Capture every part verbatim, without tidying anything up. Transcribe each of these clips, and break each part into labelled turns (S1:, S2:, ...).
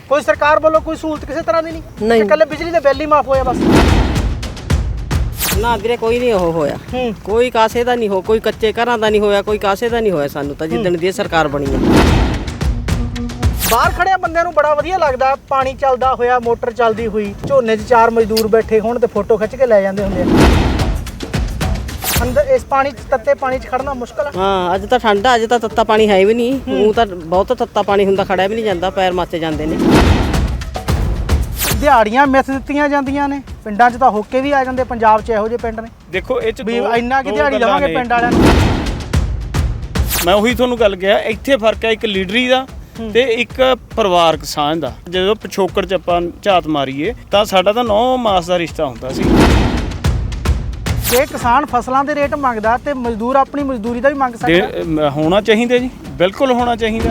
S1: ਕੋਈ ਸਰਕਾਰ ਵੱਲੋਂ ਕੋਈ ਸਹੂਲਤ ਕਿਸੇ ਤਰ੍ਹਾਂ ਦੀ ਨਹੀਂ?
S2: ਨਹੀਂ।
S1: ਇਕੱਲੇ ਬਿਜਲੀ ਦੇ ਬਿੱਲ ਹੀ ਮਾਫ ਹੋਇਆ ਬਸ?
S2: ਨਾ ਵੀਰੇ ਕੋਈ ਨਹੀਂ ਉਹ ਹੋਇਆ,
S1: ਹੂੰ
S2: ਕੋਈ ਕਾਸੇ ਦਾ ਨਹੀਂ ਹੋ, ਕੋਈ ਕੱਚੇ ਘਰਾਂ ਦਾ ਨਹੀਂ ਹੋਇਆ, ਕੋਈ ਕਾਸੇ ਦਾ ਨਹੀਂ ਹੋਇਆ ਸਾਨੂੰ ਤਾਂ ਜਿੱਦਣ ਦੀ ਇਹ ਸਰਕਾਰ ਬਣੀ ਹੈ।
S1: ਬਾਹਰ ਖੜਿਆ ਬੰਦਿਆਂ ਨੂੰ ਬੜਾ ਵਧੀਆ ਲੱਗਦਾ, ਪਾਣੀ ਚੱਲਦਾ ਹੋਇਆ, ਮੋਟਰ ਚੱਲਦੀ ਹੋਈ, ਝੋਨੇ 'ਚ ਚਾਰ ਮਜ਼ਦੂਰ ਬੈਠੇ ਹੋਣ ਤੇ ਫੋਟੋ ਖਿੱਚ ਕੇ ਲੈ ਜਾਂਦੇ ਹੁੰਦੇ ਆ। ਅੰਦਰ ਇਸ ਪਾਣੀ 'ਚ, ਤੱਤੇ ਪਾਣੀ 'ਚ ਖੜਨਾ ਮੁਸ਼ਕਲ ਆ।
S2: ਹਾਂ ਅੱਜ ਤਾਂ ਠੰਡ ਆ, ਅੱਜ ਤਾਂ ਤੱਤਾ ਪਾਣੀ ਹੈ ਵੀ ਨਹੀਂ, ਉਹ ਤਾਂ ਬਹੁਤ ਤੱਤਾ ਪਾਣੀ ਹੁੰਦਾ, ਖੜਿਆ ਵੀ ਨਹੀਂ ਜਾਂਦਾ, ਪੈਰ ਮੱਚ ਜਾਂਦੇ ਨੇ।
S1: ਦਿਹਾੜੀਆਂ ਮਿਸ ਦਿੱਤੀਆਂ ਜਾਂਦੀਆਂ ਨੇ, ਪਿੰਡਾਂ 'ਚ ਤਾਂ ਹੋਕੇ ਵੀ ਆ ਜਾਂਦੇ, ਪੰਜਾਬ 'ਚ ਇਹੋ ਜਿਹੇ ਪਿੰਡ ਨੇ।
S3: ਦੇਖੋ ਇਹ 'ਚ
S1: ਵੀ
S3: ਦੋ-
S1: ਇੰਨਾ ਕਿ
S3: ਦੋ
S1: ਦਿਹਾੜੀ
S3: ਗੱਲਾਂ
S1: ਲਵਾਂਗੇ
S3: ਨੇ।
S1: ਪਿੰਡ ਵਾਲਿਆਂ ਨੂੰ।
S3: ਮੈਂ ਉਹੀ ਤੁਹਾਨੂੰ ਗੱਲ ਕਿਹਾ, ਇੱਥੇ ਫਰਕ ਹੈ ਇੱਕ ਲੀਡਰੀ ਦਾ ਤੇ ਇੱਕ ਪਰਿਵਾਰਕ ਸਾਂਝ ਦਾ। ਜਦੋਂ ਪਿਛੋਕੜ 'ਚ ਆਪਾਂ ਝਾਤ ਮਾਰੀਏ ਤਾਂ ਸਾਡਾ ਤਾਂ ਨੌ ਮਾਸ ਦਾ ਰਿਸ਼ਤਾ ਹੁੰਦਾ ਸੀ।
S1: ਜੇ ਕਿਸਾਨ ਫਸਲਾਂ ਦੇ ਰੇਟ ਮੰਗਦਾ ਤੇ ਮਜ਼ਦੂਰ ਆਪਣੀ ਮਜ਼ਦੂਰੀ ਦਾ ਵੀ ਮੰਗ ਸਕਦਾ।
S3: ਦੇ- ਮ- ਹੋਣਾ ਚਾਹੀਦਾ ਜੀ, ਬਿਲਕੁਲ ਹੋਣਾ ਚਾਹੀਦਾ।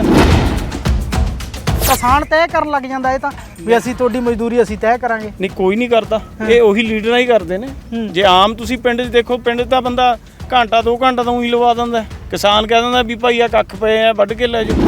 S1: ਕਿਸਾਨ ਤੈਅ ਕਰਨ ਲੱਗ ਜਾਂਦਾ ਇਹ ਤਾਂ ਵੀ ਅਸੀਂ ਤੁਹਾਡੀ ਮਜ਼ਦੂਰੀ ਅਸੀਂ ਤੈਅ ਕਰਾਂਗੇ।
S3: ਨਹੀਂ ਕੋਈ ਨਹੀਂ ਕਰਦਾ, ਇਹ ਉਹੀ ਲੀਡਰਾਂ ਹੀ ਕਰਦੇ ਨੇ। ਜੇ ਆਮ ਤੁਸੀਂ ਪਿੰਡ 'ਚ ਦੇਖੋ, ਪਿੰਡ 'ਚ ਤਾਂ ਬੰਦਾ ਘੰਟਾ ਦੋ ਘੰਟਾ ਤਾਂ ਉਹੀ ਲਵਾ ਦਿੰਦਾ, ਕਿਸਾਨ ਕਹਿ ਦਿੰਦਾ ਵੀ ਭਾਈ ਆ ਕੱਖ ਪਏ ਆ ਵੱਢ ਕੇ ਲੈ ਜਾਓ।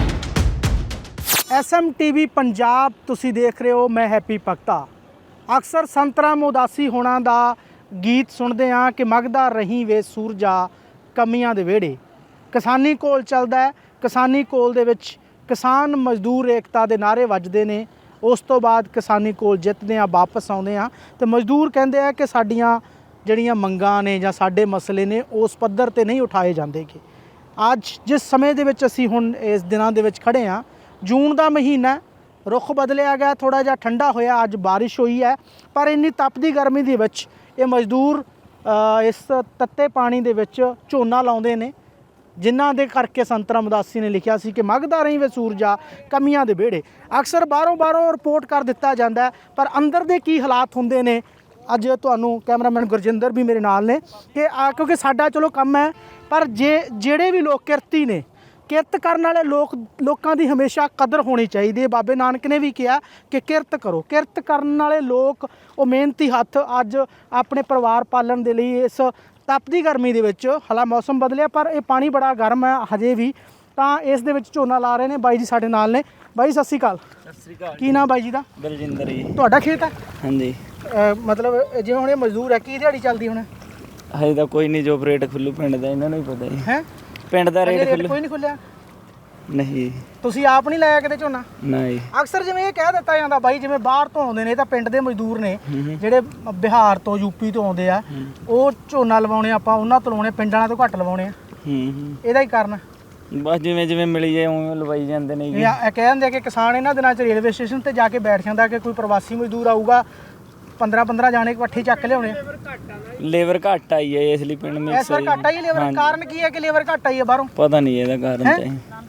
S1: S M T V Punjab ਤੁਸੀਂ ਦੇਖ ਰਹੇ ਹੋ, ਮੈਂ ਹੈਪੀ ਭਗਤਾ। ਅਕਸਰ ਸੰਤ ਰਾਮ ਉਦਾਸੀ ਹੋਣਾ ਦਾ ਗੀਤ ਸੁਣਦੇ ਹਾਂ ਕਿ ਮਗਦਾ ਰਹੀ ਵੇ ਸੂਰਜਾ ਕਮੀਆਂ ਦੇ ਵਿਹੜੇ। ਕਿਸਾਨੀ ਘੋਲ ਚੱਲਦਾ ਹੈ, ਕਿਸਾਨੀ ਘੋਲ ਦੇ ਵਿੱਚ ਕਿਸਾਨ ਮਜ਼ਦੂਰ ਏਕਤਾ ਦੇ ਨਾਅਰੇ ਵੱਜਦੇ ਨੇ। ਉਸ ਤੋਂ ਬਾਅਦ ਕਿਸਾਨੀ ਘੋਲ ਜਿੱਤਦੇ ਆ, ਵਾਪਸ ਆਉਂਦੇ ਆ ਤੇ ਮਜ਼ਦੂਰ ਕਹਿੰਦੇ ਆ ਕਿ ਸਾਡੀਆਂ ਜਿਹੜੀਆਂ ਮੰਗਾਂ ਨੇ ਜਾਂ ਸਾਡੇ ਮਸਲੇ ਨੇ ਉਸ ਪੱਧਰ ਤੇ ਨਹੀਂ ਉਠਾਏ ਜਾਂਦੇਗੇ। ਅੱਜ ਜਿਸ ਸਮੇਂ ਦੇ ਵਿੱਚ ਅਸੀਂ ਹੁਣ ਇਸ ਦਿਨਾਂ ਦੇ ਵਿੱਚ ਖੜੇ ਹਾਂ, ਜੂਨ ਦਾ ਮਹੀਨਾ, ਰੁੱਖ ਬਦਲਿਆ ਗਿਆ, ਥੋੜ੍ਹਾ ਜਿਹਾ ਠੰਡਾ ਹੋਇਆ, ਅੱਜ ਬਾਰਿਸ਼ ਹੋਈ ਹੈ, ਪਰ ਇੰਨੀ ਤਪਦੀ ਗਰਮੀ ਦੇ ਵਿੱਚ ਇਹ ਮਜ਼ਦੂਰ ਇਸ ਤੱਤੇ ਪਾਣੀ ਦੇ ਵਿੱਚ ਝੋਨਾ ਲਾਉਂਦੇ ਨੇ, ਜਿਨ੍ਹਾਂ ਦੇ ਕਰਕੇ ਸੰਤ ਰਾਮ ਉਦਾਸੀ ਨੇ ਲਿਖਿਆ ਸੀ ਕਿ ਮਗਦਾ ਰਹੀ ਵੇ ਸੂਰਜਾ ਕਮੀਆਂ ਦੇ ਵਿਹੜੇ। ਅਕਸਰ ਬਾਹਰੋਂ ਬਾਹਰੋਂ ਰਿਪੋਰਟ ਕਰ ਦਿੱਤਾ ਜਾਂਦਾ, ਪਰ ਅੰਦਰ ਦੇ ਕੀ ਹਾਲਾਤ ਹੁੰਦੇ ਨੇ ਅੱਜ ਤੁਹਾਨੂੰ ਕੈਮਰਾਮੈਨ ਗੁਰਜਿੰਦਰ ਵੀ ਮੇਰੇ ਨਾਲ ਨੇ ਕਿ ਆ, ਕਿਉਂਕਿ ਸਾਡਾ ਚਲੋ ਕੰਮ ਹੈ, ਪਰ ਜੇ ਜਿਹੜੇ ਵੀ ਲੋਕ ਕਿਰਤੀ ਨੇ, ਕਿਰਤ ਕਰਨ ਵਾਲੇ ਲੋਕ ਲੋਕਾਂ ਦੀ ਹਮੇਸ਼ਾ ਕਦਰ ਹੋਣੀ ਚਾਹੀਦੀ ਹੈ। ਬਾਬੇ ਨਾਨਕ ਨੇ ਵੀ ਕਿਹਾ ਕਿ ਕਿਰਤ ਕਰੋ। ਕਿਰਤ ਕਰਨ ਵਾਲੇ ਲੋਕ, ਉਹ ਮਿਹਨਤੀ ਹੱਥ ਅੱਜ ਆਪਣੇ ਪਰਿਵਾਰ ਪਾਲਣ ਦੇ ਲਈ ਇਸ ਤਪਦੀ ਗਰਮੀ ਦੇ ਵਿੱਚ, ਹਾਲਾਂ ਮੌਸਮ ਬਦਲਿਆ ਪਰ ਇਹ ਪਾਣੀ ਬੜਾ ਗਰਮ ਹੈ ਹਜੇ ਵੀ, ਤਾਂ ਇਸ ਦੇ ਵਿੱਚ ਝੋਨਾ ਲਾ ਰਹੇ ਨੇ। ਬਾਈ ਜੀ ਸਾਡੇ ਨਾਲ ਨੇ। ਬਾਈ ਸਤਿ ਸ਼੍ਰੀ ਅਕਾਲ।
S3: ਸਤਿ ਸ੍ਰੀ ਅਕਾਲ।
S1: ਕੀ ਨਾਮ ਬਾਈ ਜੀ ਦਾ?
S3: ਬਲਜਿੰਦਰ ਜੀ।
S1: ਤੁਹਾਡਾ ਖੇਤ ਹੈ?
S3: ਹਾਂਜੀ।
S1: ਮਤਲਬ ਜਿਵੇਂ ਹੁਣ ਇਹ ਮਜ਼ਦੂਰ ਹੈ, ਕੀ ਦਿਹਾੜੀ ਚੱਲਦੀ ਹੁਣ?
S3: ਹਜੇ ਤਾਂ ਕੋਈ ਨਹੀਂ, ਜੋ ਰੇਟ ਖੁੱਲੂ ਪਿੰਡ ਦਾ ਇਹਨਾਂ ਨੂੰ ਹੀ ਪਤਾ ਜੀ।
S1: ਹੈ
S3: ਪਿੰਡ ਦਾ ਰੇਟ ਖੁੱਲੂ
S1: ਕੋਈ ਨਹੀਂ ਖੁੱਲਿਆ?
S3: ਨਹੀਂ।
S1: ਤੁਸੀਂ ਆਪ ਨਹੀਂ ਲਾਇਆ ਕਿਤੇ ਝੋਨਾ?
S3: ਨਹੀਂ।
S1: ਅਕਸਰ ਜਿਵੇਂ ਇਹ ਕਹਿ ਦਿੱਤਾ ਜਾਂਦਾ ਬਾਈ, ਜਿਵੇਂ ਬਾਹਰ ਤੋਂ ਆਉਂਦੇ ਨੇ ਤਾਂ ਪਿੰਡ ਦੇ ਮਜ਼ਦੂਰ ਨੇ ਜਿਹੜੇ ਬਿਹਾਰ ਤੋਂ ਯੂਪੀ ਤੋਂ ਆਉਂਦੇ ਆ, ਉਹ ਝੋਨਾ ਲਵਾਉਣੇ ਆਪਾਂ ਉਹਨਾਂ ਤੋਂ ਲਵਾਉਣੇ, ਪਿੰਡ ਵਾਲਿਆਂ ਤੋਂ ਘੱਟ ਲਵਾਉਣੇ ਆ।
S3: ਹੂੰ।
S1: ਇਹਦਾ ਹੀ ਕਾਰਨ?
S3: ਬਸ ਜਿਵੇਂ ਜਿਵੇਂ ਮਿਲੀ ਜਾਏ ਉਵੇਂ ਲਵਾਈ ਜਾਂਦੇ ਨੇ।
S1: ਇਹ ਇਹ ਕਹਿ ਦਿੰਦੇ ਕਿ ਕਿਸਾਨ ਇਹਨਾਂ ਦਿਨਾਂ 'ਚ ਰੇਲਵੇ ਸਟੇਸ਼ਨ ਤੇ ਜਾ ਕੇ ਬੈਠ ਜਾਂਦਾ ਕਿ ਕੋਈ ਪ੍ਰਵਾਸੀ ਮਜ਼ਦੂਰ ਆਊਗਾ, ਪੰਦਰਾਂ ਪੰਦਰਾਂ ਜਾਣੇ ਇਕੱਠੇ ਚੱਕ ਲਿਆਉਣੇ।
S3: ਲੇਬਰ ਘੱਟ ਆਈ ਹੈ ਇਸ ਲਈ ਪਿੰਡ ਮਿਕਸ
S1: ਇਸ ਵਾਰ ਘੱਟ ਆਈ ਲੇਬਰ, ਕਾਰਨ ਕੀ ਹੈ ਕਿ ਲੇਬਰ ਘੱਟ ਆਈ ਹੈ ਬਾਹਰੋਂ?
S3: ਪਤਾ ਨਹੀਂ ਇਹਦਾ ਕਾਰਨ ਤਾਂ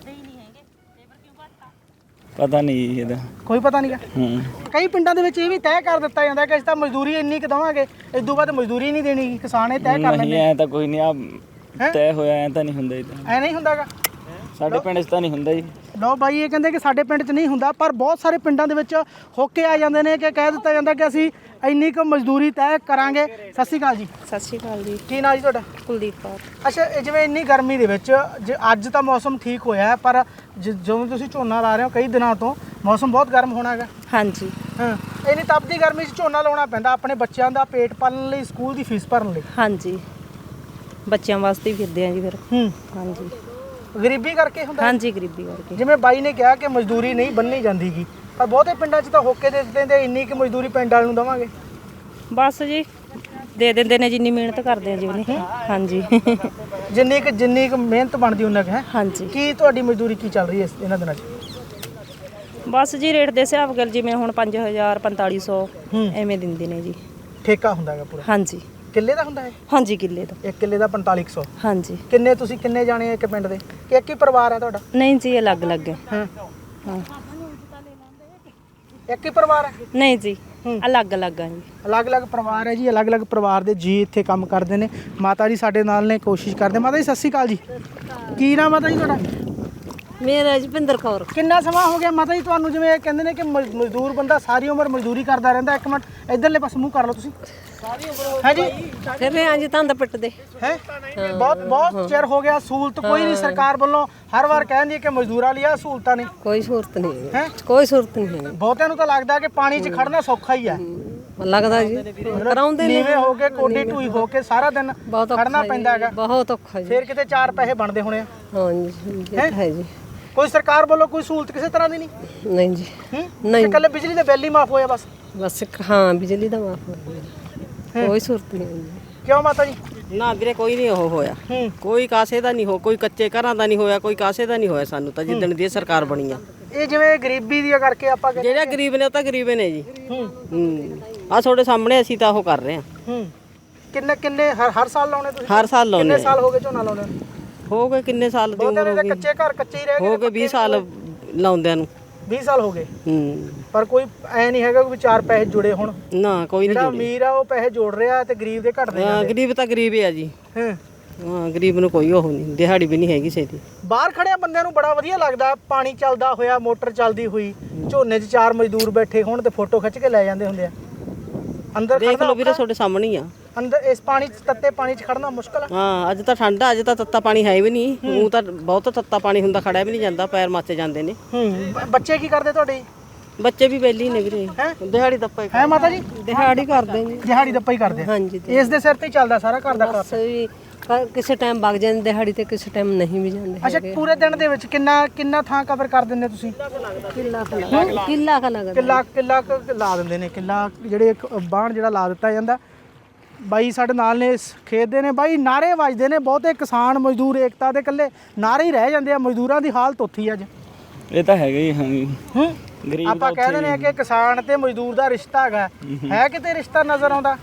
S3: ਪਤਾ ਨਹੀਂ ਇਹਦਾ
S1: ਕੋਈ ਪਤਾ ਨਹੀਂ ਗਾ।
S3: ਹੂੰ।
S1: ਕਈ ਪਿੰਡਾਂ ਦੇ ਵਿੱਚ ਇਹ ਵੀ ਤੈਅ ਕਰ ਦਿੱਤਾ ਜਾਂਦਾ ਕਿ ਅਸੀਂ ਤਾਂ ਮਜ਼ਦੂਰੀ ਇੰਨੀ ਕੁ ਦੇਵਾਂਗੇ, ਇਸ ਤੋਂ ਬਾਅਦ ਮਜ਼ਦੂਰੀ ਨਹੀਂ ਦੇਣੀ, ਕਿਸਾਨ ਇਹ ਤੈਅ ਕਰ
S3: ਨਹੀਂ
S1: ਲੈਂਦੇ।
S3: ਐ ਤਾਂ ਕੋਈ ਨਹੀਂ, ਆ ਤੈਅ ਹੋਇਆ ਐ ਤਾਂ ਨਹੀਂ ਹੁੰਦਾ ਇਹਦਾ।
S1: ਐ ਨਹੀਂ ਹੁੰਦਾਗਾ
S3: ਸਾਡੇ ਪਿੰਡ 'ਚ ਤਾਂ ਨਹੀਂ ਹੁੰਦਾ ਜੀ।
S1: ਲਓ ਬਾਈ ਇਹ ਕਹਿੰਦੇ ਕਿ ਸਾਡੇ ਪਿੰਡ 'ਚ ਨਹੀਂ ਹੁੰਦਾ, ਪਰ ਬਹੁਤ ਸਾਰੇ ਪਿੰਡਾਂ ਦੇ ਵਿੱਚ ਹੋਕੇ ਆ ਜਾਂਦੇ ਨੇ ਕਿ ਕਹਿ ਦਿੱਤਾ ਜਾਂਦਾ ਕਿ ਅਸੀਂ ਇੰਨੀ ਕੁ ਮਜ਼ਦੂਰੀ ਤੈਅ ਕਰਾਂਗੇ। ਸਤਿ ਸ਼੍ਰੀ ਅਕਾਲ ਜੀ।
S4: ਸਤਿ ਸ਼੍ਰੀ ਅਕਾਲ ਜੀ।
S1: ਕੀ ਨਾਂ ਜੀ ਤੁਹਾਡਾ?
S4: ਕੁਲਦੀਪ ਕੌਰ।
S1: ਅੱਛਾ, ਇਹ ਜਿਵੇਂ ਇੰਨੀ ਗਰਮੀ ਦੇ ਵਿੱਚ, ਜੇ ਅੱਜ ਤਾਂ ਮੌਸਮ ਠੀਕ ਹੋਇਆ ਹੈ, ਪਰ ਜ- ਜਦੋਂ ਤੁਸੀਂ ਝੋਨਾ ਲਾ ਰਹੇ ਹੋ ਕਈ ਦਿਨਾਂ ਤੋਂ ਮੌਸਮ ਬਹੁਤ ਗਰਮ ਹੋਣਾ ਹੈਗਾ।
S4: ਹਾਂਜੀ।
S1: ਹਾਂ, ਇੰਨੀ ਤਪਦੀ ਗਰਮੀ 'ਚ ਝੋਨਾ ਲਾਉਣਾ ਪੈਂਦਾ ਆਪਣੇ ਬੱਚਿਆਂ ਦਾ ਪੇਟ ਪਾਲਣ ਲਈ, ਸਕੂਲ ਦੀ ਫੀਸ ਭਰਨ ਲਈ।
S4: ਹਾਂਜੀ, ਬੱਚਿਆਂ ਵਾਸਤੇ ਹੀ ਫਿਰਦੇ ਆ ਜੀ ਫਿਰ।
S1: ਹੂੰ।
S4: ਹਾਂਜੀ
S1: ਗਰੀਬੀ ਕਰਕੇ ਹੁੰਦਾ?
S4: ਹਾਂਜੀ, ਗਰੀਬੀ ਕਰਕੇ।
S1: ਜਿਵੇਂ ਬਾਈ ਨੇ ਕਿਹਾ ਕਿ ਮਜ਼ਦੂਰੀ ਨਹੀਂ ਬੰਨੀ ਜਾਂਦੀਗੀ, ਪਰ ਬਹੁਤੇ ਪਿੰਡਾਂ 'ਚ ਤਾਂ ਹੋਕੇ ਦੇ ਦਿੰਦੇ, ਇੰਨੀ ਕਿ ਮਜ਼ਦੂਰੀ ਪਿੰਡ ਵਾਲੇ ਨੂੰ ਦੇਵਾਂਗੇ।
S4: ਬਸ ਜੀ ਦੇ ਦਿੰਦੇ ਨੇ ਜਿੰਨੀ ਮਿਹਨਤ ਕਰਦੇ ਆ ਜੀ ਉਹਨੇ। ਹਾਂਜੀ।
S1: ਜਿੰਨੀ ਕਿ ਜਿੰਨੀ ਕੁ ਮਿਹਨਤ ਬਣਦੀ ਉਹਨਾਂ ਕੁ ਹੈ।
S4: ਹਾਂਜੀ।
S1: ਕੀ ਤੁਹਾਡੀ ਮਜ਼ਦੂਰੀ ਕੀ ਚੱਲ ਰਹੀ ਹੈ ਇਸ- ਇਹਨਾਂ ਦਿਨਾਂ 'ਚ?
S4: ਬਸ ਜੀ ਰੇਟ ਦੇ ਹਿਸਾਬ ਨਾਲ ਜਿਵੇਂ ਹੁਣ ਪੰਜ ਹਜ਼ਾਰ ਪੰਤਾਲੀ ਸੌ
S1: ਹੂੰ।
S4: ਐਵੇਂ ਦਿੰਦੇ ਨੇ ਜੀ।
S1: ਠੇਕਾ ਹੁੰਦਾ ਹੈਗਾ ਪੂਰਾ?
S4: ਹਾਂਜੀ।
S1: ਕਿੱਲੇ ਦਾ ਹੁੰਦਾ ਹੈ?
S4: ਹਾਂਜੀ, ਕਿੱਲੇ ਦਾ।
S1: ਇੱਕ ਕਿੱਲੇ ਦਾ ਪੰਤਾਲੀ ਕੁ ਸੌ।
S4: ਹਾਂਜੀ।
S1: ਕਿੰਨੇ ਤੁਸੀਂ ਕਿੰਨੇ ਜਾਣੇ ਇੱਕ ਪਿੰਡ ਦੇ ਕਿ ਇੱਕ ਹੀ ਪਰਿਵਾਰ ਹੈ ਤੁਹਾਡਾ?
S4: ਨਹੀਂ ਜੀ, ਅਲੱਗ ਅਲੱਗ ਹੈ।
S1: ਹਾਂ,
S4: ਹਾਂ।
S1: ਇੱਕ ਹੀ ਪਰਿਵਾਰ ਹੈ?
S4: ਨਹੀਂ ਜੀ,
S1: ਹੂੰ।
S4: ਅਲੱਗ ਅਲੱਗ ਆ ਜੀ।
S1: ਅਲੱਗ-ਅਲੱਗ ਪਰਿਵਾਰ ਹੈ ਜੀ, ਅਲੱਗ-ਅਲੱਗ ਪਰਿਵਾਰ ਦੇ ਜੀ ਇੱਥੇ ਕੰਮ ਕਰਦੇ ਨੇ। ਮਾਤਾ ਜੀ ਸਾਡੇ ਨਾਲ ਨੇ, ਕੋਸ਼ਿਸ਼ ਕਰਦੇ। ਮਾਤਾ ਜੀ ਸਤਿ ਸ਼੍ਰੀ ਅਕਾਲ ਜੀ। ਕੀ ਨਾਮ ਮਾਤਾ ਜੀ ਤੁਹਾਡਾ?
S5: ਮੇਰਾ ਜਪਿੰਦਰ ਕੌਰ।
S1: ਕਿੰਨਾ ਸਮਾਂ ਹੋ ਗਿਆ ਮਾਤਾ ਜੀ ਤੁਹਾਨੂੰ, ਜਿਵੇਂ ਇਹ ਕਹਿੰਦੇ ਨੇ ਕਿ ਮਜ਼- ਮਜ਼ਦੂਰ ਬੰਦਾ ਸਾਰੀ ਉਮਰ ਮਜ਼ਦੂਰੀ ਕਰਦਾ ਰਹਿੰਦਾ? ਇੱਕ ਮਿੰਟ ਇਧਰਲੇ ਪਾਸੇ ਮੂੰਹ ਕਰ ਲਓ ਤੁਸੀਂ। ਹੈ ਜੀ
S5: ਫਿਰ ਰਹੇ ਹਾਂ ਜੀ ਤੰਦ ਪਿੱਟਦੇ।
S1: ਹੈ ਬਹੁਤ ਬਹੁਤ ਚਿਰ ਹੋ ਗਿਆ, ਸਹੂਲਤ ਕੋਈ ਨਹੀਂ ਸਰਕਾਰ ਵੱਲੋਂ, ਹਰ ਵਾਰ ਕਹਿੰਦੀ ਹੈ ਕਿ ਮਜ਼ਦੂਰਾਂ ਲਈ ਆ ਸਹੂਲਤਾਂ ਨੇ।
S5: ਕੋਈ ਸਹੂਲਤ ਨਹੀਂ
S1: ਹੈ
S5: ਕੋਈ ਸਹੂਲਤ ਨਹੀਂ ਹੈ।
S1: ਬਹੁਤਿਆਂ ਨੂੰ ਤਾਂ ਲੱਗਦਾ ਕਿ ਪਾਣੀ 'ਚ ਖੜਨਾ ਸੌਖਾ ਹੀ ਹੈ,
S5: ਲੱਗਦਾ ਜੀ ਕਰਾਉਂਦੇ ਨੇ
S1: ਨੀਵੇਂ ਹੋ ਕੇ ਕੋਡੀ ਢੂਈ ਹੋ ਕੇ ਸਾਰਾ ਦਿਨ
S5: ਬਹੁਤ ਔਖਾ
S1: ਖੜਨਾ
S5: ਜੀ,
S1: ਪੈਂਦਾ ਹੈਗਾ।
S5: ਬਹੁਤ ਔਖਾ ਜੀ।
S1: ਫਿਰ ਕਿਤੇ ਚਾਰ ਪੈਸੇ ਬਣਦੇ ਹੋਣੇ ਆ।
S5: ਹਾਂ ਜੀ ਇਹ ਤਾਂ ਹੈ ਜੀ।
S1: ਕੋਈ ਸਰਕਾਰ ਵੱਲੋਂ ਕੋਈ ਸਹੂਲਤ ਕਿਸੇ ਤਰ੍ਹਾਂ ਦੀ ਨਹੀਂ?
S5: ਨਹੀਂ ਜੀ
S1: ਹੂੰ
S5: ਨਹੀਂ।
S1: ਇਕੱਲੇ ਬਿਜਲੀ ਦੇ ਬਿੱਲ ਹੀ ਮਾਫ ਹੋਇਆ ਬਸ?
S5: ਬਸ ਇੱਕ ਹਾਂ ਬਿਜਲੀ ਦਾ ਮਾਫ ਹੋਇਆ, ਕੋਈ ਸਹੂਲਤ ਨਹੀਂ ਹੈ ਜੀ।
S1: ਕਿਉਂ ਮਾਤਾ ਜੀ?
S2: ਨਾ ਵੀਰੇ ਕੋਈ ਨਹੀਂ ਉਹ ਹੋਇਆ,
S1: ਹੂੰ
S2: ਕੋਈ ਕਾਸੇ ਦਾ ਨਹੀਂ ਹੋ, ਕੋਈ ਕੱਚੇ ਘਰਾਂ ਦਾ ਨਹੀਂ ਹੋਇਆ, ਕੋਈ ਕਾਸੇ ਦਾ ਨਹੀਂ ਹੋਇਆ ਸਾਨੂੰ ਤਾਂ ਜਿੱਦਣ ਦੀ ਇਹ ਸਰਕਾਰ ਬਣੀ ਆ।
S1: ਇਹ ਜਿਵੇਂ ਗਰੀਬੀ ਦੀ ਕਰਕੇ ਆਪਾਂ ਕਹਿੰਦੇ-
S2: ਜਿਹੜੇ ਗਰੀਬ ਨੇ ਉਹ ਤਾਂ ਗਰੀਬ ਨੇ ਜੀ।
S1: ਹੂੰ
S2: ਹੂੰ ਆ ਤੁਹਾਡੇ ਸਾਹਮਣੇ ਅਸੀਂ ਤਾਂ ਉਹ ਕਰ ਰਹੇ ਹਾਂ,
S1: ਹੂੰ ਕਿੰਨੇ ਕਿੰਨੇ ਹਰ ਹਰ ਸਾਲ ਲਾਉਣੇ ਤੁਸੀਂ?
S2: ਹਰ ਸਾਲ ਲਾਉਂਦੇ
S1: ਕਿੰਨੇ
S2: ਹਾਂ।
S1: ਸਾਲ ਹੋ ਗਏ ਝੋਨਾ ਲਾਉਂਦੇ ਨੂੰ?
S2: ਹੋ ਗਏ ਕਿੰਨੇ ਸਾਲ ਦੀ
S1: ਬਹੁਤਿਆਂ
S2: ਉਮਰ
S1: ਦੇ
S2: ਹੋ
S1: ਤਾਂ
S2: ਗਈ?
S1: ਕੱਚੇ ਘਰ ਕੱਚੇ ਹੀ ਰਹਿ ਗਏ।
S2: ਹੋ ਗਏ ਵੀਹ ਸਾਲ ਲਾਉਂਦਿਆਂ ਨੂੰ।
S1: ਵੀਹ ਸਾਲ ਹੋ ਗਏ,
S2: ਹੂੰ
S1: ਪਰ ਕੋਈ ਐ ਨਹੀਂ ਹੈਗਾ ਕਿ ਚਾਰ ਪੈਸੇ ਜੁੜੇ ਹੁਣ।
S2: ਨਾ ਕੋਈ ਨਹੀਂ
S1: ਜਿਹੜਾ
S2: ਜੁੜੇ।
S1: ਅਮੀਰ ਆ ਉਹ ਪੈਸੇ ਜੋੜ ਰਿਹਾ ਤੇ ਗਰੀਬ ਦੇ ਘਟਦੇ
S2: ਹਾਂ
S1: ਜਾਂਦੇ।
S2: ਗਰੀਬ ਤਾਂ ਗਰੀਬ ਹੀ ਆ ਜੀ।
S1: ਹਾਂ
S2: ਹਾਂ ਗਰੀਬ ਨੂੰ ਕੋਈ ਉਹ ਨਹੀਂ, ਦਿਹਾੜੀ ਵੀ ਨਹੀਂ ਹੈਗੀ ਸੇਦੀ।
S1: ਬਾਹਰ ਖੜਿਆ ਬੰਦਿਆਂ ਨੂੰ ਬੜਾ ਵਧੀਆ ਲੱਗਦਾ, ਪਾਣੀ ਚੱਲਦਾ ਹੋਇਆ, ਮੋਟਰ ਚੱਲਦੀ ਹੋਈ, ਝੋਨੇ 'ਚ ਚਾਰ ਮਜ਼ਦੂਰ ਬੈਠੇ ਹੋਣ ਤੇ ਫੋਟੋ ਖਿੱਚ ਕੇ ਲੈ ਜਾਂਦੇ ਹੁੰਦੇ ਆ। ਅੰਦਰ
S2: ਦੇਖ
S1: ਖੜਨਾ
S2: ਲਓ ਵੀਰੇ
S1: ਔਖਾ?
S2: ਤੁਹਾਡੇ ਸਾਹਮਣੇ ਹੀ ਆ।
S1: ਅੰਦਰ ਇਸ ਪਾਣੀ 'ਚ, ਤੱਤੇ ਪਾਣੀ 'ਚ ਖੜਨਾ ਮੁਸ਼ਕਲ ਆ।
S2: ਹਾਂ ਅੱਜ ਤਾਂ ਠੰਡ ਆ, ਅੱਜ ਤਾਂ ਤੱਤਾ ਪਾਣੀ ਹੈ ਵੀ ਨਹੀਂ। ਉਹ ਤਾਂ ਬਹੁਤ ਤੱਤਾ ਪਾਣੀ ਹੁੰਦਾ, ਖੜਿਆ ਵੀ ਨਹੀਂ ਜਾਂਦਾ, ਪੈਰ ਮਾਚੇ ਜਾਂਦੇ ਨੇ।
S1: ਹੂੰ ਬ- ਬੱਚੇ ਕੀ ਕਰਦੇ ਤੁਹਾਡੇ?
S2: ਬੱਚੇ ਵੀ ਵਿਹਲੇ ਨੇ ਵੀਰੇ,
S1: ਹੈਂ?
S2: ਦਿਹਾੜੀ ਦੱਪੇ
S1: ਹੈ ਮਾਤਾ ਜੀ?
S5: ਦਿਹਾੜੀ ਕਰਦੇ ਜੀ।
S1: ਦਿਹਾੜੀ ਦੱਪਾ ਹੀ ਕਰਦੇ ਆ।
S5: ਹਾਂਜੀ
S1: ਇਸ ਦੇ ਸਿਰ ਤੇ ਹੀ ਚੱਲਦਾ ਸਾਰਾ ਘਰ ਦਾ
S5: ਬਸ
S1: ਖਰਚ।
S5: ਵੀ ਕ- ਕਿਸੇ ਟਾਈਮ ਵਗ ਜਾਂਦੇ ਦਿਹਾੜੀ ਤੇ, ਕਿਸੇ ਟਾਈਮ ਨਹੀਂ ਵੀ ਜਾਂਦੇ
S1: ਅੱਛਾ ਪੂਰੇ ਦਿਨ ਦੇ ਵਿੱਚ ਕਿੰਨਾ ਕਿੰਨਾ ਥਾਂ ਕਵਰ ਕਰ ਦਿੰਦੇ ਤੁਸੀਂ?
S5: ਕਿੱਲਾ ਕ ਲੱਗਦਾ ਕਿੱਲਾ ਕ ਲੱਗਦਾ
S1: ਕਿੱਲਾ ਕਿੱਲਾ ਕੁ ਲਾ ਦਿੰਦੇ ਨੇ, ਕਿੱਲਾ ਜਿਹੜੇ ਇੱਕ ਬਾਣ ਜਿਹੜਾ ਲਾ ਦਿੱਤਾ ਜਾਂਦਾ। ਬਾਈ ਸਾਡੇ ਨਾਲ ਨੇ, ਇਸ ਖੇਤ ਦੇ ਨੇ ਬਾਈ, ਨਾਰੇ ਵੱਜਦੇ ਨੇ ਬਹੁਤੇ, ਕਿਸਾਨ ਮਜ਼ਦੂਰ ਏਕਤਾ ਦੇ ਇਕੱਲੇ ਨਾਰੇ ਹੀ ਰਹਿ ਜਾਂਦੇ ਆ। ਮਜ਼ਦੂਰਾਂ ਦੀ ਹਾਲਤ ਉੱਥੀ ਅੱਜ।
S3: ਇਹ ਤਾਂ ਹੈਗਾ ਹੀ। ਹਾਂ
S1: ਹੂੰ
S3: ਗਰੀਬ
S1: ਆਪਾਂ ਕਹਿ ਦਿੰਦੇ ਆ ਕਿ ਕਿਸਾਨ ਤੇ ਮਜ਼ਦੂਰ ਦਾ ਰਿਸ਼ਤਾ ਹੈਗਾ, ਹੈ ਕਿਤੇ ਰਿਸ਼ਤਾ ਨਜ਼ਰ ਆਉਂਦਾ?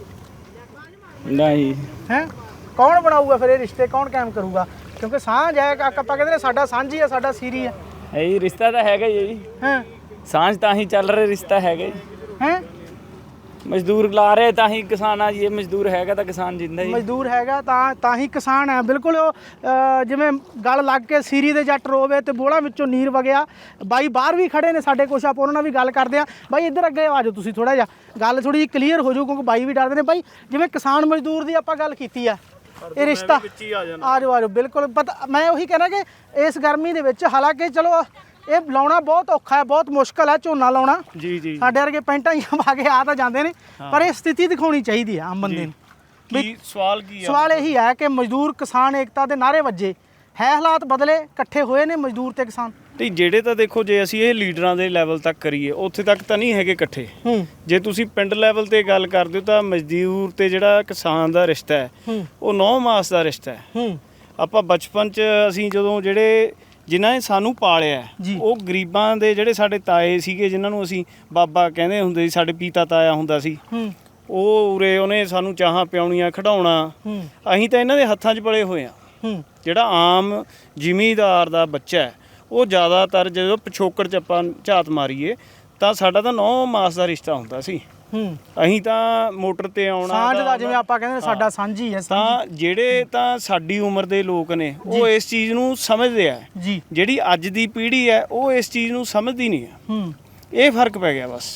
S3: ਨਹੀਂ
S1: ਹੈ ਕੌਣ ਬਣਾਊਗਾ ਫਿਰ ਇਹ ਰਿਸ਼ਤੇ, ਕੌਣ ਕਾਇਮ ਕਰੂਗਾ? ਕਿਉਂਕਿ ਸਾਂਝ ਹੈ, ਆਪਾਂ ਕਹਿੰਦੇ ਨੇ ਸਾਡਾ ਸਾਂਝੀ ਹੈ, ਸਾਡਾ ਸੀਰੀ ਹੈ।
S3: ਇਹ ਰਿਸ਼ਤਾ ਤਾਂ ਹੈਗਾ ਹੀ ਜੀ,
S1: ਹੈ
S3: ਸਾਂਝ ਤਾਂ ਹੀ ਚੱਲ ਰਿਹਾ, ਰਿਸ਼ਤਾ ਹੈਗਾ ਜੀ।
S1: ਹੈ
S3: ਮਜ਼ਦੂਰ ਲਾ ਰਹੇ ਤਾਂ ਹੀ ਕਿਸਾਨ ਆ ਜੀ, ਇਹ ਮਜ਼ਦੂਰ ਹੈਗਾ ਤਾਂ ਕਿਸਾਨ ਜਿੰਦਾ ਜੀ।
S1: ਮਜ਼ਦੂਰ ਹੈਗਾ ਤਾਂ ਤਾਂ ਹੀ ਕਿਸਾਨ ਹੈ। ਬਿਲਕੁਲ ਉਹ ਅ, ਜਿਵੇਂ ਗਲ ਲੱਗ ਕੇ ਸੀਰੀ ਦੇ ਜੱਟ ਰੋਵੇ ਤੇ ਬੋਲਾਂ ਵਿੱਚੋਂ ਨੀਰ ਵਗਿਆ। ਬਾਈ ਬਾਹਰ ਵੀ ਖੜੇ ਨੇ ਸਾਡੇ ਕੁਛ, ਆਪਾਂ ਉਹਨਾਂ ਨਾਲ ਵੀ ਗੱਲ ਕਰਦੇ ਆ। ਬਾਈ ਇੱਧਰ ਅੱਗੇ ਆ ਜਾਓ ਤੁਸੀਂ, ਥੋੜਾ ਜਿਹਾ ਗੱਲ ਥੋੜੀ ਜਿਹੀ ਕਲੀਅਰ ਹੋ ਜਾਊ, ਕਿਉਂਕਿ ਬਾਈ ਵੀ ਡਰਦੇ ਨੇ। ਬਾਈ ਜਿਵੇਂ ਕਿਸਾਨ ਮਜ਼ਦੂਰ ਦੀ ਆਪਾਂ ਗੱਲ ਕੀਤੀ ਆ, ਇਹ ਰਿਸ਼ਤਾ ਆ ਜਾਓ ਆ ਜਾਓ ਬਿਲਕੁਲ ਪਤਾ। ਮੈਂ ਉਹੀ ਕਹਿਣਾ ਕਿ ਇਸ ਗਰਮੀ ਦੇ ਵਿੱਚ, ਹਾਲਾਂਕਿ ਚਲੋ ਇਹ ਲਾਉਣਾ ਬਹੁਤ ਔਖਾ ਹੈ, ਬਹੁਤ ਮੁਸ਼ਕਲ ਹੈ ਝੋਨਾ ਲਾਉਣਾ।
S3: ਜੀ ਜੀ
S1: ਸਾਡੇ ਵਰਗੇ ਪੈਂਟਾਂ ਹੀ ਪਾ ਕੇ ਆ ਤਾਂ ਜਾਂਦੇ ਨੇ, ਪਰ ਇਹ ਸਥਿਤੀ ਦਿਖਾਉਣੀ ਚਾਹੀਦੀ ਹੈ ਆਮ ਬੰਦੇ ਨੂੰ।
S3: ਕੀ ਸਵਾਲ ਕੀ ਆ?
S1: ਸਵਾਲ ਇਹੀ ਹੈ ਕਿ ਮਜ਼ਦੂਰ ਕਿਸਾਨ ਏਕਤਾ ਦੇ ਨਾਅਰੇ ਵੱਜੇ ਹੈ, ਹਾਲਾਤ ਬਦਲੇ, ਇਕੱਠੇ ਹੋਏ ਨੇ ਮਜ਼ਦੂਰ ਤੇ ਕਿਸਾਨ।
S3: ਤੇ ਜਿਹੜੇ ਤਾਂ ਦੇਖੋ, ਜੇ ਅਸੀਂ ਇਹ ਲੀਡਰਾਂ ਦੇ ਲੈਵਲ ਤੱਕ ਕਰੀਏ, ਉੱਥੇ ਤੱਕ ਤਾਂ ਨਹੀਂ ਹੈਗੇ ਇਕੱਠੇ।
S1: ਹੂੰ
S3: ਜੇ ਤੁਸੀਂ ਪਿੰਡ ਲੈਵਲ ਤੇ ਗੱਲ ਕਰਦੇ ਹੋ ਤਾਂ ਮਜ਼ਦੂਰ ਤੇ ਜਿਹੜਾ ਕਿਸਾਨ ਦਾ ਰਿਸ਼ਤਾ ਹੈ,
S1: ਹੂੰ
S3: ਉਹ ਨੌ ਮਾਸ ਦਾ ਰਿਸ਼ਤਾ ਹੈ।
S1: ਹੂੰ
S3: ਆਪਾਂ ਬਚਪਨ 'ਚ ਅਸੀਂ ਜਦੋਂ ਜਿਹੜੇ ਜਿਨ੍ਹਾਂ ਨੇ ਸਾਨੂੰ ਪਾਲਿਆ,
S1: ਜੀ।
S3: ਉਹ ਗਰੀਬਾਂ ਦੇ ਜਿਹੜੇ ਸਾਡੇ ਤਾਏ ਸੀਗੇ, ਜਿਨ੍ਹਾਂ ਨੂੰ ਅਸੀਂ ਬਾਬਾ ਕਹਿੰਦੇ ਹੁੰਦੇ ਸੀ, ਸਾਡੇ ਪੀਤਾ ਤਾਇਆ ਹੁੰਦਾ ਸੀ,
S1: ਹੂੰ
S3: ਉਹ ਉਰੇ ਉਹਨੇ ਸਾਨੂੰ ਚਾਹਾਂ ਪਿਆਉਣੀਆਂ, ਖਿਡਾਉਣਾ।
S1: ਹੂੰ
S3: ਅਸੀਂ ਤਾਂ ਇਹਨਾਂ ਦੇ ਹੱਥਾਂ 'ਚ ਪਲੇ ਹੋਏ ਆ।
S1: ਹੂੰ
S3: ਜਿਹੜਾ ਆਮ ਜ਼ਿਮੀਂਦਾਰ ਦਾ ਬੱਚਾ ਹੈ, ਉਹ ਜ਼ਿਆਦਾਤਰ ਜਦੋਂ ਪਿਛੋਕੜ 'ਚ ਆਪਾਂ ਝਾਤ ਮਾਰੀਏ ਤਾਂ ਸਾਡਾ ਤਾਂ ਨੌ ਮਾਸ ਦਾ ਰਿਸ਼ਤਾ ਹੁੰਦਾ ਸੀ।
S1: ਹੂੰ
S3: ਅਸੀਂ ਤਾਂ ਮੋਟਰ ਤੇ ਆਉਣਾ
S1: ਸਾਂਝ ਦਾ,
S3: ਤਾਂ-
S1: ਜਿਵੇਂ ਆਪਾਂ ਕਹਿੰਦੇ ਸਾਡਾ ਸਾਂਝੀ ਹੈ।
S3: ਤਾਂ ਜਿਹੜੇ ਤਾਂ ਸਾਡੀ ਉਮਰ ਦੇ ਲੋਕ ਨੇ, ਉਹ ਇਸ ਚੀਜ਼ ਨੂੰ ਸਮਝਦੇ ਆ।
S1: ਜੀ
S3: ਜਿਹੜੀ ਅੱਜ ਦੀ ਪੀੜ੍ਹੀ ਹੈ, ਉਹ ਇਸ ਚੀਜ਼ ਨੂੰ ਸਮਝਦੀ ਨਹੀਂ ਹੈ।
S1: ਹੂੰ
S3: ਇਹ ਫਰਕ ਪੈ ਗਿਆ ਬਸ।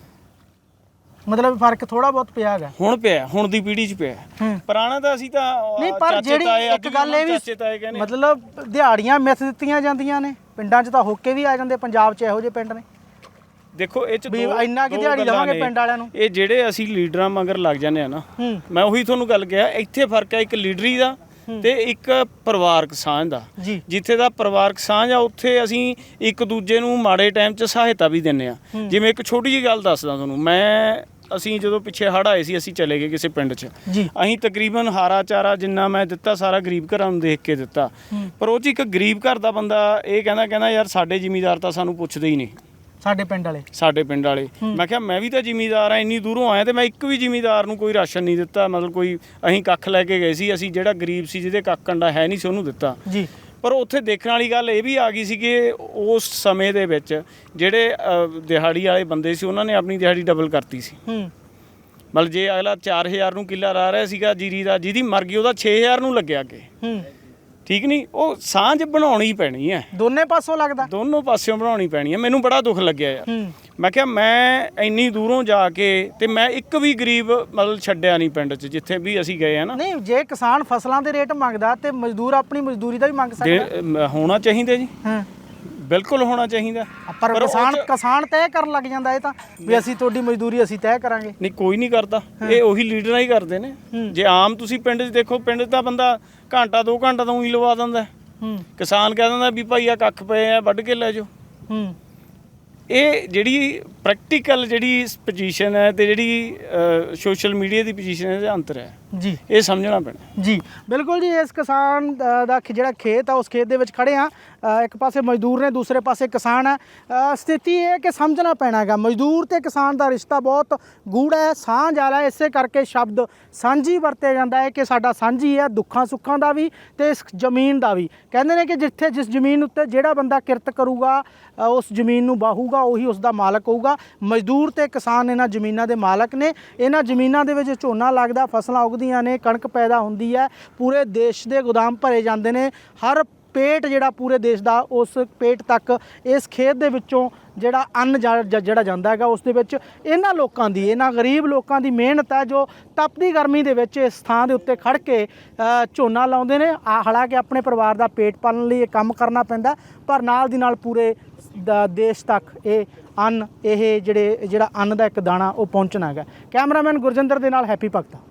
S1: ਮਤਲਬ ਫਰਕ ਥੋੜਾ ਬਹੁਤ ਪਿਆ ਹੈਗਾ
S3: ਹੁਣ ਪਿਆ, ਹੁਣ ਦੀ ਪੀੜ੍ਹੀ 'ਚ ਪਿਆ।
S1: ਹੂੰ
S3: ਪੁਰਾਣਾ ਤਾਂ ਅਸੀਂ ਤਾਂ
S1: ਨਹੀਂ, ਪਰ
S3: ਚਾਚੇ
S1: ਜਿਹੜੀ
S3: ਤਾਏ, ਅੱਜ
S1: ਇੱਕ
S3: ਵੀ
S1: ਗੱਲ ਇਹ ਵੀ
S3: ਚਾਚੇ ਤਾਏ ਕਹਿੰਦੇ ਆ।
S1: ਮਤਲਬ ਦਿਹਾੜੀਆਂ ਮਿੱਥ ਦਿੱਤੀਆਂ ਜਾਂਦੀਆਂ ਨੇ, ਪਿੰਡਾਂ 'ਚ ਤਾਂ ਹੋਕੇ ਵੀ ਆ ਜਾਂਦੇ। ਪੰਜਾਬ 'ਚ ਇਹੋ ਜਿਹੇ ਪਿੰਡ ਨੇ
S3: ਦੇਖੋ ਇਹ 'ਚ
S1: ਵੀ
S3: ਦੋ-
S1: ਇੰਨਾ ਕੀ
S3: ਦੋ
S1: ਦਿਹਾੜੀ
S3: ਗੱਲਾਂ
S1: ਲਵਾਂਗੇ
S3: ਨੇ।
S1: ਪਿੰਡ ਵਾਲਿਆਂ ਨੂੰ।
S3: ਇਹ ਜਿਹੜੇ ਅਸੀਂ ਲੀਡਰਾਂ ਮਗਰ ਲੱਗ ਜਾਂਦੇ ਆ ਨਾ,
S1: ਹੂੰ
S3: ਮੈਂ ਉਹੀ ਤੁਹਾਨੂੰ ਗੱਲ ਕਿਹਾ, ਇੱਥੇ ਫਰਕ ਹੈ ਇੱਕ ਲੀਡਰੀ ਦਾ ਤੇ ਇੱਕ ਪਰਿਵਾਰਕ ਸਾਂਝ ਦਾ।
S1: ਜੀ
S3: ਜਿੱਥੇ ਦਾ ਪਰਿਵਾਰਕ ਸਾਂਝ ਆ, ਉੱਥੇ ਅਸੀਂ ਇੱਕ ਦੂਜੇ ਨੂੰ ਮਾੜੇ ਟਾਈਮ 'ਚ ਸਹਾਇਤਾ ਵੀ ਦਿੰਦੇ ਆ। ਜਿਵੇਂ ਇੱਕ ਛੋਟੀ ਜਿਹੀ ਗੱਲ ਦੱਸਦਾ ਤੁਹਾਨੂੰ, ਮੈਂ ਅਸੀਂ ਜਦੋਂ ਪਿੱਛੇ ਹੜ੍ਹ ਆਏ ਸੀ, ਅਸੀਂ ਚਲੇ ਗਏ ਕਿਸੇ ਪਿੰਡ 'ਚ।
S1: ਜੀ
S3: ਅਸੀਂ ਤਕਰੀਬਨ ਹਾਰਾ ਚਾਰਾ ਜਿੰਨਾ ਮੈਂ ਦਿੱਤਾ, ਸਾਰਾ ਗਰੀਬ ਘਰਾਂ ਨੂੰ ਦੇਖ ਕੇ ਦਿੱਤਾ। ਪਰ ਉਹ 'ਚ ਇੱਕ ਗਰੀਬ ਘਰ ਦਾ ਬੰਦਾ ਇਹ ਕਹਿੰਦਾ ਕਹਿੰਦਾ ਯਾਰ ਸਾਡੇ ਜ਼ਿਮੀਂਦਾਰ ਤਾਂ ਸਾਨੂੰ ਪੁੱਛਦੇ ਹੀ ਨਹੀਂ,
S1: ਸਾਡੇ ਪਿੰਡ ਵਾਲੇ।
S3: ਸਾਡੇ ਪਿੰਡ ਵਾਲੇ। ਮੈਂ ਕਿਹਾ ਮੈਂ ਵੀ ਤਾਂ ਜ਼ਿਮੀਂਦਾਰ ਆ, ਇੰਨੀ ਦੂਰੋਂ ਆਇਆ ਤੇ ਮੈਂ ਇੱਕ ਵੀ ਜ਼ਿਮੀਂਦਾਰ ਨੂੰ ਕੋਈ ਰਾਸ਼ਨ ਨਹੀਂ ਦਿੱਤਾ। ਮਤਲਬ ਕੋਈ ਅਸੀਂ ਕੱਖ ਲੈ ਕੇ ਗਏ ਸੀ, ਅਸੀਂ ਜਿਹੜਾ ਗਰੀਬ ਸੀ, ਜਿਹਦੇ ਕੱਖ ਕੰਡਾ ਹੈ ਨਹੀਂ ਸੀ, ਉਹਨੂੰ ਦਿੱਤਾ।
S1: ਜੀ
S3: ਪਰ ਉੱਥੇ ਦੇਖਣ ਵਾਲੀ ਗੱਲ ਇਹ ਵੀ ਆ ਗਈ ਸੀ ਕਿ ਉਸ ਸਮੇਂ ਦੇ ਵਿੱਚ ਜਿਹੜੇ ਅ, ਦਿਹਾੜੀ ਵਾਲੇ ਬੰਦੇ ਸੀ, ਉਹਨਾਂ ਨੇ ਆਪਣੀ ਦਿਹਾੜੀ ਡਬਲ ਕਰਤੀ ਸੀ।
S1: ਹੂੰ
S3: ਮਤਲਬ ਜੇ ਅਗਲਾ ਚਾਰ ਹਜ਼ਾਰ ਨੂੰ ਕਿੱਲਾ ਲਾ ਰਿਹਾ ਸੀਗਾ ਜੀਰੀ ਦਾ, ਜਿਹਦੀ ਮਰ ਗਈ ਉਹਦਾ ਛੇ ਹਜ਼ਾਰ ਨੂੰ ਲੱਗਿਆ ਅੱਗੇ।
S1: ਹੂੰ
S3: ਠੀਕ ਨਹੀਂ, ਉਹ ਸਾਂਝ ਬਣਾਉਣੀ ਪੈਣੀ ਹੈ,
S1: ਦੋਨੇ ਪਾਸੋਂ ਲੱਗਦਾ।
S3: ਦੋਨੋਂ ਪਾਸਿਓਂ ਬਣਾਉਣੀ ਪੈਣੀ ਹੈ। ਮੈਨੂੰ ਬੜਾ ਦੁੱਖ ਲੱਗਿਆ ਯਾਰ,
S1: ਹੂੰ
S3: ਮੈਂ ਕਿਹਾ ਮੈਂ ਇੰਨੀ ਦੂਰੋਂ ਜਾ ਕੇ ਤੇ ਮੈਂ ਇੱਕ ਵੀ ਗਰੀਬ ਮਤਲਬ ਛੱਡਿਆ ਨਹੀਂ ਪਿੰਡ 'ਚ ਜਿੱਥੇ ਵੀ ਅਸੀਂ ਗਏ ਆ ਨਾ।
S1: ਨਹੀਂ, ਜੇ ਕਿਸਾਨ ਫਸਲਾਂ ਦੇ ਰੇਟ ਮੰਗਦਾ ਤੇ ਮਜ਼ਦੂਰ ਆਪਣੀ ਮਜ਼ਦੂਰੀ ਦਾ ਵੀ ਮੰਗ ਸਕਦਾ।
S3: ਦੇ- ਮ- ਹੋਣਾ ਚਾਹੀਦਾ ਜੀ,
S1: ਹਾਂ,
S3: ਬਿਲਕੁਲ ਹੋਣਾ ਚਾਹੀਦਾ।
S1: ਪਰ
S3: ਉਹ
S1: ਕਿਸਾਨ
S3: 'ਚ-
S1: ਕਿਸਾਨ ਤੈਅ ਕਰਨ ਲੱਗ ਜਾਂਦਾ ਇਹ ਤਾਂ ਵੀ ਅਸੀਂ ਤੁਹਾਡੀ ਮਜ਼ਦੂਰੀ ਅਸੀਂ ਤੈਅ ਕਰਾਂਗੇ।
S3: ਨਹੀਂ, ਕੋਈ ਨਹੀਂ ਕਰਦਾ, ਇਹ ਉਹੀ ਲੀਡਰਾਂ ਹੀ ਕਰਦੇ ਨੇ। ਜੇ ਆਮ ਤੁਸੀਂ ਪਿੰਡ 'ਚ ਦੇਖੋ, ਪਿੰਡ 'ਚ ਤਾਂ ਬੰਦਾ ਘੰਟਾ ਦੋ ਘੰਟਾ ਤਾਂ ਉਹੀ ਲਵਾ ਦਿੰਦਾ।
S1: ਹੂੰ
S3: ਕਿਸਾਨ ਕਹਿ ਦਿੰਦਾ ਵੀ ਭਾਈ ਆ ਕੱਖ ਪਏ ਆ ਵੱਢ ਕੇ ਲੈ ਜਾਓ।
S1: ਹੂੰ
S3: ਇਹ ਜਿਹੜੀ ਪ੍ਰੈਕਟੀਕਲ ਜਿਹੜੀ ਪੋਜੀਸ਼ਨ ਹੈ ਤੇ ਜਿਹੜੀ ਸੋਸ਼ਲ ਮੀਡੀਆ ਦੀ ਪੋਜੀਸ਼ਨ ਹੈ, ਇਹਦਾ ਅੰਤਰ ਹੈ,
S1: ਜੀ
S3: ਇਹ ਸਮਝਣਾ ਪੈਣਾ।
S1: ਜੀ ਬਿਲਕੁਲ ਜੀ। ਇਸ ਕਿਸਾਨ ਅ, ਦਾ ਖ- ਜਿਹੜਾ ਖੇਤ ਆ ਉਸ ਖੇਤ ਦੇ ਵਿੱਚ ਖੜੇ ਆ। ਅ, ਇੱਕ ਪਾਸੇ ਮਜ਼ਦੂਰ ਨੇ, ਦੂਸਰੇ ਪਾਸੇ ਕਿਸਾਨ ਹੈ। ਅ, ਸਥਿਤੀ ਇਹ ਹੈ ਕਿ ਸਮਝਣਾ ਪੈਣਾ ਹੈਗਾ, ਮਜ਼ਦੂਰ ਤੇ ਕਿਸਾਨ ਦਾ ਰਿਸ਼ਤਾ ਬਹੁਤ ਗੂੜਾ ਹੈ, ਸਾਂਝ ਵਾਲਾ ਹੈ। ਇਸੇ ਕਰਕੇ ਸ਼ਬਦ ਸਾਂਝੀ ਵਰਤਿਆ ਜਾਂਦਾ ਹੈ ਕਿ ਸਾਡਾ ਸਾਂਝੀ ਹੈ, ਦੁੱਖਾਂ ਸੁੱਖਾਂ ਦਾ ਵੀ ਤੇ ਇਸ ਜ਼ਮੀਨ ਦਾ ਵੀ। ਕਹਿੰਦੇ ਨੇ ਕਿ ਜਿੱਥੇ ਜਿਸ ਜ਼ਮੀਨ ਉੱਤੇ ਜਿਹੜਾ ਬੰਦਾ ਕਿਰਤ ਕਰੂਗਾ, ਅ, ਉਸ ਜ਼ਮੀਨ ਨੂੰ ਬਾਹੂਗਾ, ਉਹੀ ਉਸ ਦਾ ਮਾਲਕ ਹੋਊਗਾ। ਮਜ਼ਦੂਰ ਤੇ ਕਿਸਾਨ ਇਹਨਾਂ ਜ਼ਮੀਨਾਂ ਦੇ ਮਾਲਕ ਨੇ। ਇਹਨਾਂ ਜ਼ਮੀਨਾਂ ਦੇ ਵਿੱਚ ਝੋਨਾ ਲੱਗਦਾ, ਫਸਲਾਂ ਉੱਗਦੀਆਂ ਨੇ, ਕਣਕ ਪੈਦਾ ਹੁੰਦੀ ਹੈ, ਪੂਰੇ ਦੇਸ਼ ਦੇ ਗੋਦਾਮ ਭਰੇ ਜਾਂਦੇ ਨੇ। ਹਰ ਪੇਟ ਜਿਹੜਾ ਪੂਰੇ ਦੇਸ਼ ਦਾ, ਉਸ ਪੇਟ ਤੱਕ ਇਸ ਖੇਤ ਦੇ ਵਿੱਚੋਂ ਜਿਹੜਾ ਅੰਨ ਜਾ- ਜ- ਜਿਹੜਾ ਜਾਂਦਾ ਹੈਗਾ, ਉਸ ਦੇ ਵਿੱਚ ਇਹਨਾਂ ਲੋਕਾਂ ਦੀ, ਇਹਨਾਂ ਗਰੀਬ ਲੋਕਾਂ ਦੀ ਮਿਹਨਤ ਹੈ, ਜੋ ਤਪਦੀ ਗਰਮੀ ਦੇ ਵਿੱਚ ਇਸ ਥਾਂ ਦੇ ਉੱਤੇ ਖੜ੍ਹ ਕੇ ਅ, ਝੋਨਾ ਲਾਉਂਦੇ ਨੇ। ਆ ਹਾਲਾਂਕਿ ਆਪਣੇ ਪਰਿਵਾਰ ਦਾ ਪੇਟ ਪਾਲਣ ਲਈ ਇਹ ਕੰਮ ਕਰਨਾ ਪੈਂਦਾ, ਪਰ ਨਾਲ ਦੀ ਨਾਲ ਪੂਰੇ ਦ- ਦੇਸ਼ ਤੱਕ ਇਹ ਅੰਨ, ਇਹ ਜਿਹੜੇ ਜਿਹੜਾ ਅੰਨ ਦਾ ਇੱਕ ਦਾਣਾ ਉਹ ਪਹੁੰਚਣਾ ਹੈਗਾ। ਕੈਮਰਾਮੈਨ ਗੁਰਜਿੰਦਰ ਦੇ ਨਾਲ ਹੈਪੀ ਭਗਤਾ।